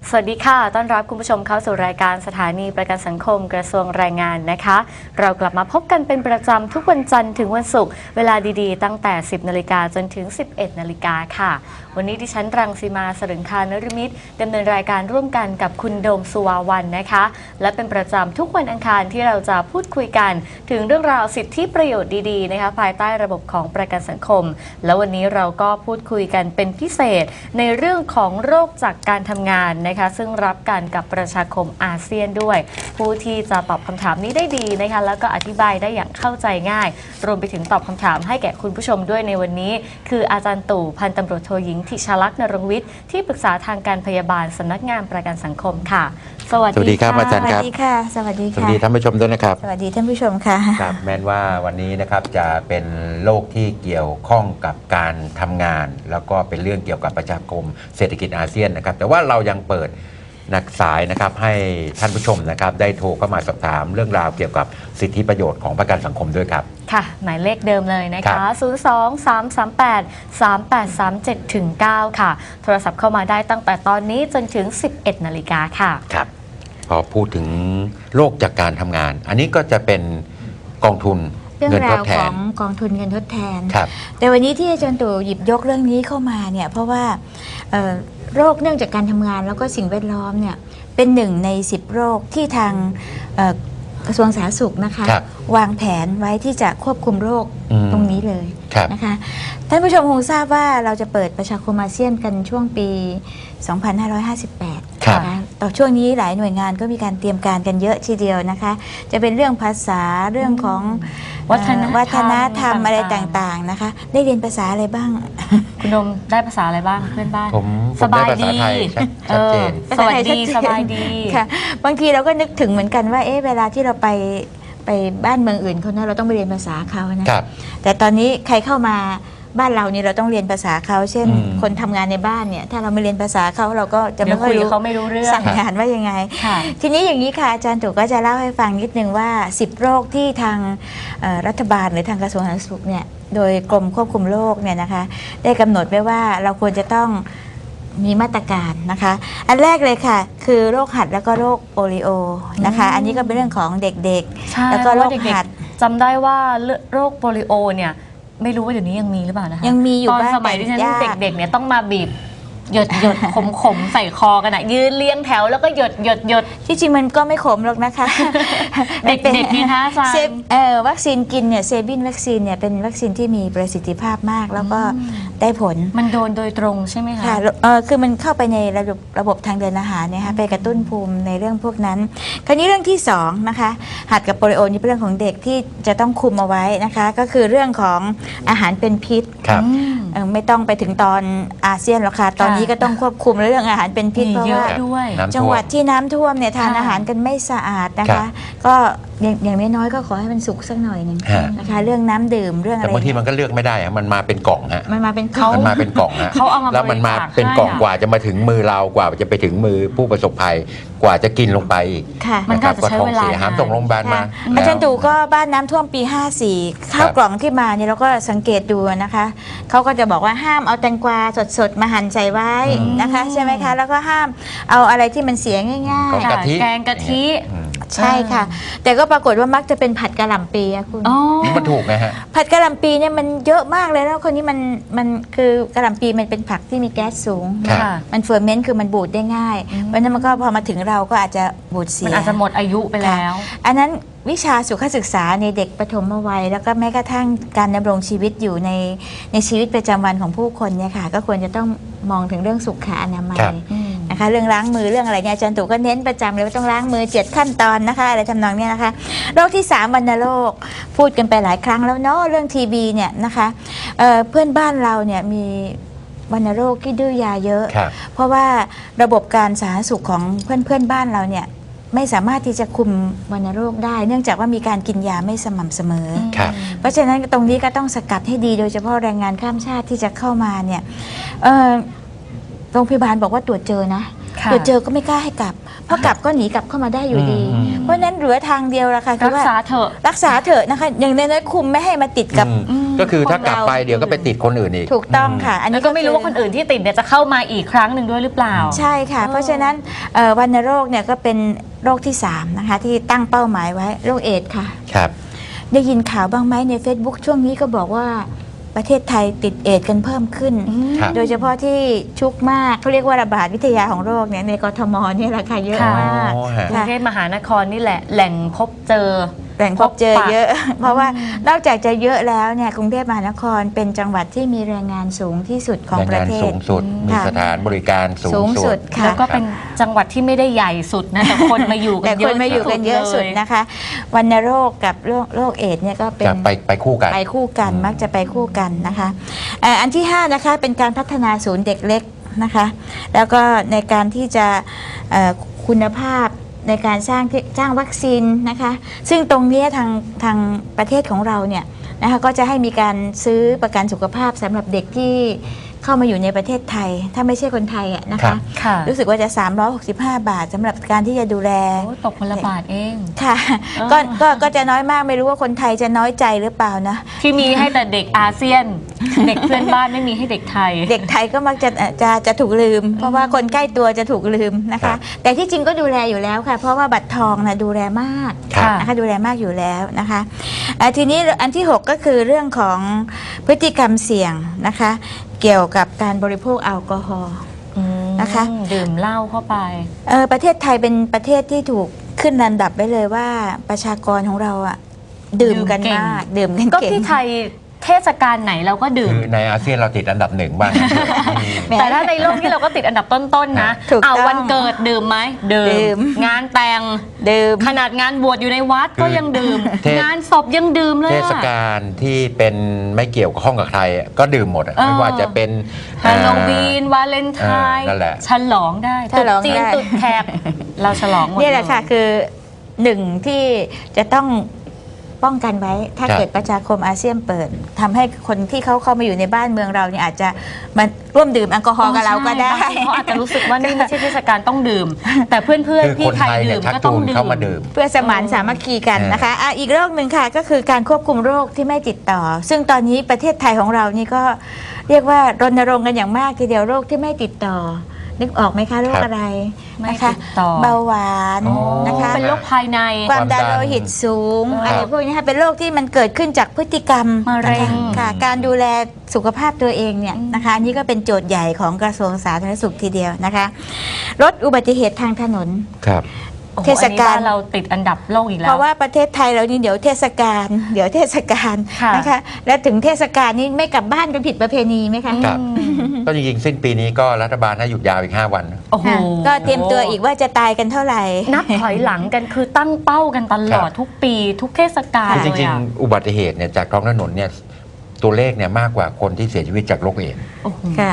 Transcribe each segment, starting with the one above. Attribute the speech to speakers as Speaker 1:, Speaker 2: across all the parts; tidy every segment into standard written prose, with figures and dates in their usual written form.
Speaker 1: สวัสดีค่ะต้อนรับคุณผู้ชมเข้าสู่รายการสถานีประกันสังคมกระทรวงแรงงานนะคะเรากลับมาพบกันเป็นประจำทุกวันจันทร์ถึงวันศุกร์เวลาดีๆตั้งแต่ 10 นาฬิกาจนถึง 11 นาฬิกาค่ะวันนี้ดิฉันรังสีมาสรึงคานฤมิตดำเนินรายการร่วมกันกับคุณโดมสุวาวันนะคะและเป็นประจำทุกวันอังคารที่เราจะพูดคุยกันถึงเรื่องราวสิทธิประโยชน์ดีๆนะคะภายใต้ระบบของประกันสังคมแล้ววันนี้เราก็พูดคุยกันเป็นพิเศษในเรื่องของโรคจากการทำงานนะคะซึ่งรับกันกับประชาคมอาเซียนด้วยผู้ที่จะตอบคำถามนี้ได้ดีนะคะแล้วก็อธิบายได้อย่างเข้าใจง่ายรวมไปถึงตอบคำถามให้แก่คุณผู้ชมด้วยในวันนี้คืออาจารย์ตู่พันตำรวจโทหญิงธิชลักษณ์นรงค์วิทย์ที่ปรึกษาทางการพยาบาลสำนักงานประกันสังคมค่ะสวัสดีครับ
Speaker 2: อาจารย์ครับ
Speaker 3: สวัสดีค่ะสวัสดี
Speaker 2: สวัสดีท่านผู้ชมด้วยนะครับ
Speaker 3: สวัสดีท่านผู้ชมค่ะ
Speaker 2: ครับแม้ว่าวันนี้นะครับจะเป็นโรคที่เกี่ยวข้องกับการทำงานแล้วก็เป็นเรื่องเกี่ยวกับประชาคมเศรษฐกิจอาเซียนนะครับแต่ว่าเรายังเปิดนักสายนะครับให้ท่านผู้ชมนะครับได้โทรเข้ามาสอบถามเรื่องราวเกี่ยวกับสิทธิประโยชน์ของประกันสังคมด้วยครับ
Speaker 1: ค่ะหมายเลขเดิมเลยนะคะ 02-338-3837-9 ค่ะโทรศัพท์เข้ามาได้ตั้งแต่ตอนนี้จนถึง 11 นาฬิกาค่ะ
Speaker 2: ครับพอพูดถึงโรคจากการทำงานอันนี้ก็จะเป็นกองทุน
Speaker 3: เรื่องราวของกองทุนเงินทดแทนแต่วันนี้ที่อาจารย์ตู่หยิบยกเรื่องนี้เข้ามาเนี่ยเพราะว่าโรคเนื่องจากการทำงานแล้วก็สิ่งแวดล้อมเนี่ยเป็นหนึ่งใน10โรคที่ทางกระทรวงสาธารณสุขนะคะวางแผนไว้ที่จะควบคุมโรคตรงนี้เลยนะคะท่านผู้ชมคงทราบว่าเราจะเปิดประชาคมอาเซียนกันช่วงปี 2558 นะคะต่อช่วงนี้หลายหน่วยงานก็มีการเตรียมการกันเยอะทีเดียวนะคะจะเป็นเรื่องภาษาเรื่องของวัฒนธรรมอะไรต่างๆนะคะได้เรียนภาษาอะไรบ้าง
Speaker 1: คุณดมได้ภาษาอะไรบ้างเพื่อนบ้าน
Speaker 2: ผมได้ภาษาไทยชัดเจน
Speaker 1: สวัสดีสบายดี
Speaker 3: ค่ะบางทีเราก็นึกถึงเหมือนกันว่าเวลาที่เราไปบ้านเมืองอื่นคนนั้นเราต้องไปเรียนภาษาเขานะแต่ตอนนี้ใครเข้ามาบ้านเรานี่เราต้องเรียนภาษาเขาเช่นคนทำงานในบ้านเนี่ยถ้าเราไม่เรียนภาษาเขาเราก็จะไม่ค่อยรู้
Speaker 1: เขาไม่รู้เรื่อง
Speaker 3: สั่งงานว่ายังไงทีนี้อย่างนี้ค่ะอาจารย์ตู่ก็จะเล่าให้ฟังนิดนึงว่า10โรคที่ทางรัฐบาลหรือทางกระทรวงสาธารณสุขเนี่ยโดยกรมควบคุมโรคเนี่ยนะคะได้กำหนดไว้ว่าเราควรจะต้องมีมาตรการนะคะอันแรกเลยค่ะคือโรคหัดแล้วก็โรคโปลิโอนะคะอันนี้ก็เป็นเรื่องของเด็กๆแล้วก็โรคหัด
Speaker 1: จำได้ว่าโรคโปลิโอเนี่ยไม่รู้ว่าเดี๋ยวนี้ยังมีหรือเปล่านะคะ
Speaker 3: ยังมีอยู่
Speaker 1: ตอนสมัยที่ฉันเด็กๆเนี่ยต้องมาบีบหยดขมใส่คอกันนะยืนเรียงแถวแล้วก็หยด
Speaker 3: ที่จริงมันก็ไม่ขมหรอกนะคะ
Speaker 1: เด็กๆนี่คะอาจารย์
Speaker 3: วัคซีนกินเนี่ยเซบินวัคซีนเนี่ยเป็นวัคซีนที่มีประสิทธิภาพมากแล้วก็ได้ผล
Speaker 1: มันโดนโดยตรงใช่ไหมคะ
Speaker 3: ค่ะคือมันเข้าไปในระบบทางเดินอาหารเนี่ยค่ะไปกระตุ้นภูมิในเรื่องพวกนั้นคราวนี้เรื่องที่2นะคะหัดกับโปลิโอนี่เป็นเรื่องของเด็กที่จะต้องคุมเอาไว้นะคะก็คือเรื่องของอาหารเป็นพิษไม่ต้องไปถึงตอนอาเซียนหรอกค่ะตอนนี้ก็ต้องควบคุมเรื่องอาหารเป็นพิษเพราะว่าจังหวัดที่น้ำท่วมเนี่ยทานอาหารกันไม่สะอาดนะคะก็อย่างน้อยๆก็ขอให้มันสุกสักหน่อยหนึ่งนะคะเรื่องน้ำดื่มเรื่องอะไร
Speaker 2: แต่บางทีมันก็เลือกไม่ได้มันมาเป็นกล่องฮะ
Speaker 3: มันมาเป็น
Speaker 2: กล่องฮะแล้วมันมาเป็นกล่องกว่าจะมาถึงมือเรากว่าจะไปถึงมือผู้ประสบภัยกว่าจะกินลงไป
Speaker 1: มันก็ใช้เวลา
Speaker 2: หามส่งโรงพยาบาลมา
Speaker 3: อาจารย์ตู่ก็บ้านน้ำท่วมปี54ข้าวกล่องที่มาเนี่ยเราก็สังเกตดูนะคะเขาก็จะบอกว่าห้ามเอาแตงกวาสดๆมาหั่นใส่ไว้นะคะใช่ไหมคะแล้วก็ห้ามเอาอะไรที่มันเสียง่าย
Speaker 1: ๆแกงกะทิ
Speaker 3: ใช่ค่ะแต่ก็ปรากฏว่ามักจะเป็นผัดกะหล่ำปีอะคุณ
Speaker 2: มันถูกไหมฮะ
Speaker 3: ผัดกะหล่ำปีเนี่ยมันเยอะมากเลยแล้วคนนี้มันคือกะหล่ำปีมันเป็นผักที่มีแก๊สสูงมันเฟอร์เมนต์คือมันบูดได้ง่ายเพราะนั้นมันก็พอมาถึงเราก็อาจจะบูดเสีย
Speaker 1: มันอาจจะหมดอายุไปแล้ว
Speaker 3: อันนั้นวิชาสุขศึกษาในเด็กปฐมวัยแล้วก็แม้กระทั่งการดำรงชีวิตอยู่ในชีวิตประจำวันของผู้คนเนี่ยค่ะก็ควรจะต้องมองถึงเรื่องสุขอนามัยนะคะเรื่องล้างมือเรื่องอะไรเนี่ยอาจารย์ตู่ก็เน้นประจำเลยว่าต้องล้างมือ7ขั้นตอนนะคะอะไรทำนองนี้นะคะโรคที่3วัณโรคพูดกันไปหลายครั้งแล้วเนาะเรื่องทีบีเนี่ยนะคะเพื่อนบ้านเราเนี่ยมีวัณโรคที่ดื้อยาเยอะเพราะว่าระบบการสาธารณสุขของเพื่อนบ้านเราเนี่ยไม่สามารถที่จะคุมวัณโรคได้เนื่องจากว่ามีการกินยาไม่สม่ำเสมอเพราะฉะนั้นตรงนี้ก็ต้องสกัดให้ดีโดยเฉพาะแรงงานข้ามชาติที่จะเข้ามาเนี่ยโรงพยาบาลบอกว่าตรวจเจอนะ
Speaker 1: ค่ะ
Speaker 3: เดี๋ยวเจอก็ไม่กล้าให้กลับเพราะกลับก็หนีกลับเข้ามาได้อยู่ดี เพราะฉะนั้นเหลือทางเดียวละค่ะคื
Speaker 1: รั
Speaker 3: อก ว่า
Speaker 1: ษาเถอะ
Speaker 3: รักษาเถอะนะคะอย่างน้อยๆคุมไม่ให้มาติดกับ
Speaker 2: ก็คือถ้ากลับไป
Speaker 3: ของเรา
Speaker 2: เดี๋ยวก็ไปติดคนอื่นอีก
Speaker 3: ถูกต้องค่ะ อัน
Speaker 1: แล้
Speaker 3: นี้
Speaker 1: วก็ไม่รู้ว่าคนอื่นที่ติดเนี่ยจะเข้ามาอีกครั้งหนึ่งด้วยหรือเปล่า
Speaker 3: ใช่ค่ะ เพราะฉะนั้นวัณโรคเนี่ยก็เป็นโรคที่3นะคะที่ตั้งเป้าหมายไว้โรคเอดส์ค่ะ
Speaker 2: ครับ
Speaker 3: ได้ยินข่าวบ้างไหมใน Facebook ช่วงนี้ก็บอกว่าประเทศไทยติดเอดส์กันเพิ่มขึ้น
Speaker 2: ครับ
Speaker 3: โดยเฉพาะที่ชุกมากเขาเรียกว่าระบาดวิทยาของโรคเนี่ยในกทมเนี่ยราคาเยอะ
Speaker 1: ค่ะ
Speaker 3: มาก
Speaker 2: อ๋อฮะ
Speaker 1: กรุงเทพมหานครนี่แหละแหล่งพบเจอ
Speaker 3: แหล่งพบเจอเยอะ เพราะว่านอกจากจะเยอะแล้วเนี่ยกรุงเทพมหานครเป็นจังหวัดที่มีแรงงานสูงที่สุดของ
Speaker 2: แรง
Speaker 3: ประ
Speaker 2: งาน
Speaker 3: เท
Speaker 2: สู
Speaker 3: ศ
Speaker 2: งสุด มี
Speaker 3: ค่ะ
Speaker 2: สถานบริการสู
Speaker 3: สู
Speaker 2: ง
Speaker 3: ง
Speaker 2: สุ
Speaker 3: สุ
Speaker 2: ด
Speaker 3: ดค่ะ
Speaker 1: แล้วก็เป็นจังหวัดที่ไม่ได้ใหญ่สุดนะแต่คนมาอยู่กั
Speaker 3: แต่
Speaker 1: นเย
Speaker 3: ค
Speaker 1: อะ
Speaker 3: นมาอยู่กันเยอะสุด
Speaker 1: ล
Speaker 3: นะคะวัณโรคกับโรคเอดส์เนี่ยก็เป็น
Speaker 2: จะไปคู่กัน
Speaker 3: ไปคู่กันมักจะไปคู่กันนะคะอันที่5นะคะเป็นการพัฒนาศูนย์เด็กเล็กนะคะแล้วก็ในการที่จะคุณภาพในการสร้างวัคซีนนะคะซึ่งตรงเนี้ยทางประเทศของเราเนี่ยนะคะก็จะให้มีการซื้อประกันสุขภาพสำหรับเด็กที่เข้ามาอยู่ในประเทศไทย ถ้าไม่ใช่คนไทยอะนะ
Speaker 2: ครั
Speaker 3: คะ
Speaker 2: บ
Speaker 1: ค่ะ
Speaker 3: รู้สึกว่าจะ365 บาทสำหรับการที่จะดูแล
Speaker 1: โอ้ตกคนละบาทเอง
Speaker 3: ค่ะ
Speaker 1: อ่า
Speaker 3: ก็จะน้อยมากไม่รู้ว่าคนไทยจะน้อยใจหรือเปล่านะ
Speaker 1: ที่มีให้แต่เด็กอาเซียน เด็กเพื่อนบ้านไม่มีให้เด็กไทย
Speaker 3: เด็กไทยก็มักจะถูกลืม เพราะว่าคนใกล้ตัวจะถูกลืมนะ
Speaker 2: ครั
Speaker 3: คะ
Speaker 2: บ
Speaker 3: แต่ที่จริงก็ดูแลอยู่แล้วค่ะ เพราะว่าบัตรทองนะดูแลมาก
Speaker 2: ครับ
Speaker 3: นะคะดูแลมากอยู่แล้วนะคะทีนี้อันที่ 6 ก็คือเรื่องของพฤติกรรมเสี่ยงนะคะ เกี่ยวกับการบริโภคแอลกอฮอล์ นะคะ
Speaker 1: ดื่มเหล้าเข้าไป
Speaker 3: ประเทศไทยเป็นประเทศที่ถูกขึ้นลำดับไว้เลยว่าประชากรของเราอะดื่มกัน
Speaker 1: ดื่มเก่ง
Speaker 3: มากดื่มกัน
Speaker 1: ก็
Speaker 3: เก่ง
Speaker 1: ที่ไทยเทศกาลไหนเราก็ดื่ม
Speaker 2: คือในอาเซียนเราติดอันดับ1บ้าง
Speaker 3: แหม
Speaker 1: แต่ถ้าในโลกที่เราก็ติดอันดับต้นๆนะ
Speaker 3: ถูกต้อง
Speaker 1: วันเกิดดื่มไหม
Speaker 3: ดื่
Speaker 1: ดื่
Speaker 3: ม
Speaker 1: ม งานแต่ง
Speaker 3: ดื่ม
Speaker 1: ขนาดงานบวชอยู่ในวัดก็ยังดื่ม
Speaker 2: เทศ
Speaker 1: งานศพยังดื่มเลย
Speaker 2: เท
Speaker 1: อะ
Speaker 2: ศกาลที่เป็นไม่เกี่ยวข้องกับใครก็ดื่มหมดอะ
Speaker 1: เออ
Speaker 2: ไม่ว่าจะเป็น
Speaker 1: ฮาโลวีนวาเลนไทน์
Speaker 2: นั่นแหละ
Speaker 1: ฉลองได้
Speaker 3: ฉลอง
Speaker 1: ตรุษจีน
Speaker 3: ได้
Speaker 1: ตรุษแขกเราฉลองหมด
Speaker 3: เนี่ยแหละค่ะ
Speaker 1: เย
Speaker 3: คือหนึ่งที่จะต้องป้องกันไว้ ถ้า
Speaker 2: ครับ
Speaker 3: เกิดประชาคมอาเซียนเปิดทำให้คนที่เขาเข้ามาอยู่ในบ้านเมืองเราเนี่ยอาจจะมาร่วมดื่มแอลกอฮอล์กับเราก็ได้
Speaker 1: ใช่บางทีเขาอาจจะรู้สึกว่านี่ไม่ใช่เทศกาลต้องดื่ม แต่เพื่อน
Speaker 2: คือ
Speaker 1: ๆพี่
Speaker 2: คน
Speaker 1: ไท
Speaker 2: ไท
Speaker 1: ย
Speaker 2: ยเนี่
Speaker 1: ดื่
Speaker 2: ย
Speaker 1: ม
Speaker 2: ชัก
Speaker 1: ก็ต้อ
Speaker 2: จู
Speaker 1: ง
Speaker 2: น
Speaker 1: ดื่
Speaker 2: เข้าม มาดื่ม
Speaker 3: เพื่อสมานสามัคคีกันนะคะอีกโรคหนึ่งค่ะก็คือการควบคุมโรคที่ไม่ติดต่อ ซึ่งตอนนี้ประเทศไทยของเรานี่ก็เรียกว่ารณรงค์กันอย่างมากทีเดียวโรคที่ไม่ติดต่อ นึกออกไหมคะโรค
Speaker 2: ครับ
Speaker 3: อะไร
Speaker 1: ไม่
Speaker 3: นะคะ
Speaker 1: ติดต่อ
Speaker 3: เบาหวาน
Speaker 2: อ๋อ
Speaker 3: นะคะ
Speaker 1: เป็นโรคภายใน
Speaker 3: ความดัน
Speaker 2: ความดัน
Speaker 3: โลหิตสูง
Speaker 1: ครับ
Speaker 3: อะไรพวกนี้ค่ะเป็นโรคที่มันเกิดขึ้นจากพฤติกรรม
Speaker 1: มะเร็ง
Speaker 3: นะคะค่ะการดูแลสุขภาพตัวเองเนี่ยนะคะอันนี้ก็เป็นโจทย์ใหญ่ของกระทรวงสาธารณสุขทีเดียวนะคะลดอุบัติเหตุทางถนน
Speaker 2: ครับ
Speaker 1: โอ้โห
Speaker 3: เทศกาล
Speaker 1: อันนี้บ้นเราติดอันดับโลกอีกแล้
Speaker 3: เพ
Speaker 1: ว
Speaker 3: ราะว่าประเทศไทยเรานี่เดี๋ยวเทศกาล
Speaker 1: ค่ะ
Speaker 3: นะคะและถึงเทศกาลนี้ไม่กลับบ้านกันผิดประเพณีไหมคะ
Speaker 2: ครับ ก็จริงๆสิ้นปีนี้ก็รัฐบาลให้หยุดยาวอีก 5 วัน
Speaker 1: โอ้โห
Speaker 3: ค่ะก็เตรียมตัวอีกว่าจะตายกันเท่าไหร่
Speaker 1: นับถอยหลังกันคือตั้งเป้ากันตลอด
Speaker 2: ครับ
Speaker 1: ทุกปีทุกเทศกาล
Speaker 2: คือจ
Speaker 1: เลย
Speaker 2: ริง
Speaker 1: อะ
Speaker 2: ๆ อุบัติเหตุเนี่ยจากท้องถนนเนี่ยตัวเลขเนี่ยมากกว่าคนที่เสียชีวิตจากโรคเอดส์
Speaker 1: โอ้โห
Speaker 3: ค่ะ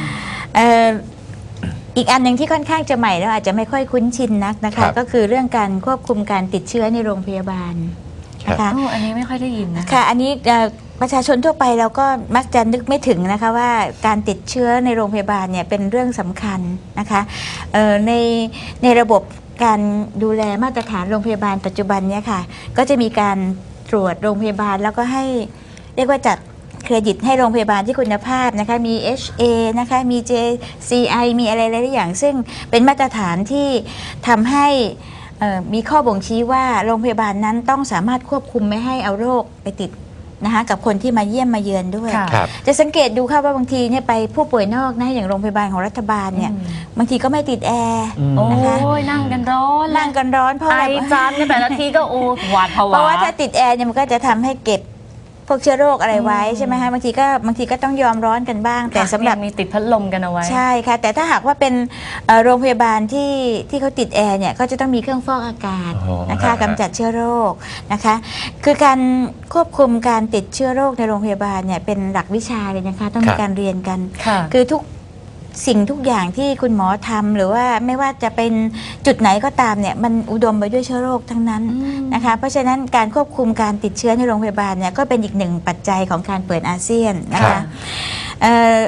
Speaker 3: อีกอันหนึ่งที่ค่อนข้างจะใหม่แล้วอาจจะไม่ค่อยคุ้นชินนักนะคะก็คือเรื่องการควบคุมการติดเชื้อในโรงพยาบาลนะคะ
Speaker 1: โอ้อันนี้ไม่ค่อยได้ยินนะ
Speaker 3: ค่ะอันนี้ประชาชนทั่วไปเราก็มักจะนึกไม่ถึงนะคะว่าการติดเชื้อในโรงพยาบาลเนี่ยเป็นเรื่องสำคัญนะคะในระบบการดูแลมาตรฐานโรงพยาบาลปัจจุบันเนี่ยค่ะก็จะมีการตรวจโรงพยาบาลแล้วก็ให้เรียกว่าจัดเครดิตให้โรงพยาบาลที่คุณภาพนะคะมี HA นะคะมี JCI มีอะไรหลายๆอย่างซึ่งเป็นมาตรฐานที่ทำให้มีข้อบ่งชี้ว่าโรงพยาบาลนั้นต้องสามารถควบคุมไม่ให้เอาโรคไปติดนะคะกับคนที่มาเยี่ยมมาเยือนด้วย
Speaker 1: ค่ะ
Speaker 2: ครับ
Speaker 3: จะสังเกตดูค่ะว่าบางทีเนี่ยไปผู้ป่วยนอกนะอย่างโรงพยาบาลของรัฐบาลเนี่ยบางทีก็ไม่ติดแอร์
Speaker 1: โอ้
Speaker 3: นะคะ
Speaker 1: ยนั่งกันร้อน
Speaker 3: นั่งกันร้อนเพราะ
Speaker 1: ไอ
Speaker 3: อะไร
Speaker 1: จามกันแต่ละทีก็โอ้หวาดผวา
Speaker 3: เพราะว่าถ้าติดแอร์เนี่ยมันก็จะทำให้เก็บพวกเชื้อโรคอะไรไว้ใช่ไหมคะบางทีก็ต้องยอมร้อนกันบ้าง แต่สำหรับ
Speaker 1: มีติดพัดลมกันเอาไว้
Speaker 3: ใช่ค่ะแต่ถ้าหากว่าเป็นโรงพยาบาลที่เขาติดแอร์เนี่ยก็จะต้องมีเครื่องฟอกอากาศ
Speaker 2: อ๋อ
Speaker 3: นะคะ
Speaker 2: ฮะ
Speaker 3: กำจัดเชื้อโรคนะคะคือการควบคุมการติดเชื้อโรคในโรงพยาบาลเนี่ยเป็นหลักวิชาเลยนะคะต้องมีการเรียนกัน
Speaker 1: ค่ะ
Speaker 3: คือทุกสิ่งทุกอย่างที่คุณหมอทำหรือว่าไม่ว่าจะเป็นจุดไหนก็ตามเนี่ยมันอุดมไปด้วยเชื้อโรคทั้งนั้นนะคะเพราะฉะนั้นการควบคุมการติดเชื้อในโรงพยาบาลเนี่ยก็เป็นอีกหนึ่งปัจจัยของการเปิดอาเซียนนะ
Speaker 2: ครั
Speaker 3: คะ
Speaker 2: บ
Speaker 3: เอ่อ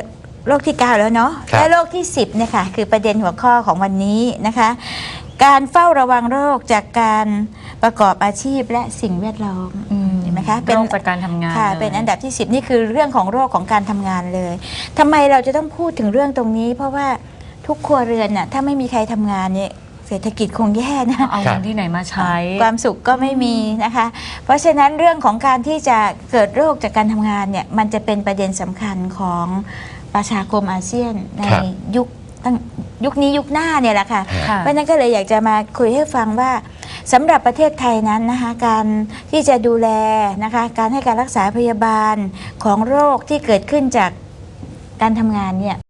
Speaker 3: โรคที่ 9 แล้วเนาะ
Speaker 2: ครับ
Speaker 3: และโรคที่ 10เนี่ยค่ะคือประเด็นหัวข้อของวันนี้นะคะ การเฝ้าระวังโรคจากการประกอบอาชีพและสิ่งแวดล้อมเห็นไหมคะ
Speaker 1: โรคจากการทำงาน
Speaker 3: ค่ะ
Speaker 1: ลย
Speaker 3: เป็นอันดับที่ 10 นี่คือเรื่องของโรคของการทำงานเลยทำไมเราจะต้องพูดถึงเรื่องตรงนี้ เพราะว่าทุกครัวเรือนน่ะถ้าไม่มีใครทำงานเนี่ยเศรษฐกิจคงแย่นะ
Speaker 1: เอาเงินที่ไหนมาใช้
Speaker 3: ความสุขก็ไม่มีนะคะ เพราะฉะนั้นเรื่องของการที่จะเกิดโรคจากการทำงานเนี่ยมันจะเป็นประเด็นสำคัญของประชาคมอาเซียนใน
Speaker 2: ครับ
Speaker 3: ยุคนี้ยุคหน้าเนี่ยแหละค่ะ
Speaker 1: ค่ะ
Speaker 3: เพราะฉะนั้นก็เลยอยากจะมาคุยให้ฟังว่าสำหรับประเทศไทยนั้นนะคะการที่จะดูแลนะคะการให้การรักษาพยาบาลของโรคที่เกิดขึ้นจากการทำงานเนี่ย